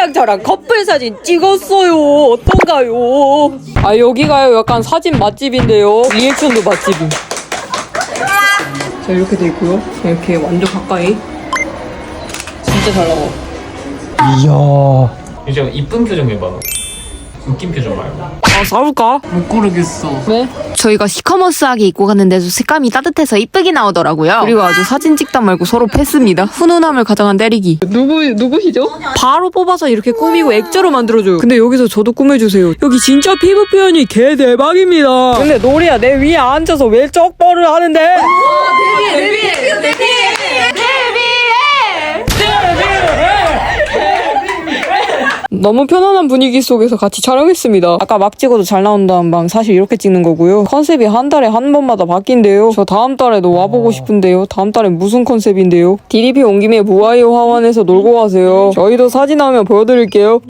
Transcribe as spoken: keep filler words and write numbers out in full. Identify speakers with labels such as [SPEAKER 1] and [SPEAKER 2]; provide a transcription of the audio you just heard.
[SPEAKER 1] 언니랑 저랑 커플 사진 찍었어요. 어떤가요? 아 여기가요 약간 사진 맛집인데요. 리액션도 맛집임. 자 이렇게 돼 있고요. 이렇게 완전 가까이. 진짜 잘 나와.
[SPEAKER 2] 이야. 이제 이쁜 표정 해봐. 웃긴 표정 말고.
[SPEAKER 1] 아 싸울까?
[SPEAKER 2] 못 고르겠어.
[SPEAKER 1] 왜?
[SPEAKER 3] 저희가 시커머스하게 입고 갔는데도 색감이 따뜻해서 이쁘게 나오더라고요. 그리고 아주 사진 찍다 말고 서로 패스입니다. 훈훈함을 가장한 때리기.
[SPEAKER 1] 누구 누구시죠? 바로 뽑아서 이렇게 꾸미고 액자로 만들어줘요. 근데 여기서 저도 꾸며주세요. 여기 진짜 피부 표현이 개 대박입니다. 근데 노리야 내 위에 앉아서 왜 쩍벌을 하는데? 너무 편안한 분위기 속에서 같이 촬영했습니다. 아까 막 찍어도 잘 나온다는 방 사실 이렇게 찍는 거고요. 컨셉이 한 달에 한 번마다 바뀐대요. 저 다음 달에도 와보고 싶은데요. 다음 달엔 무슨 컨셉인데요? 디디피 온 김에 무아이 화원에서 놀고 가세요. 저희도 사진 하면 보여드릴게요.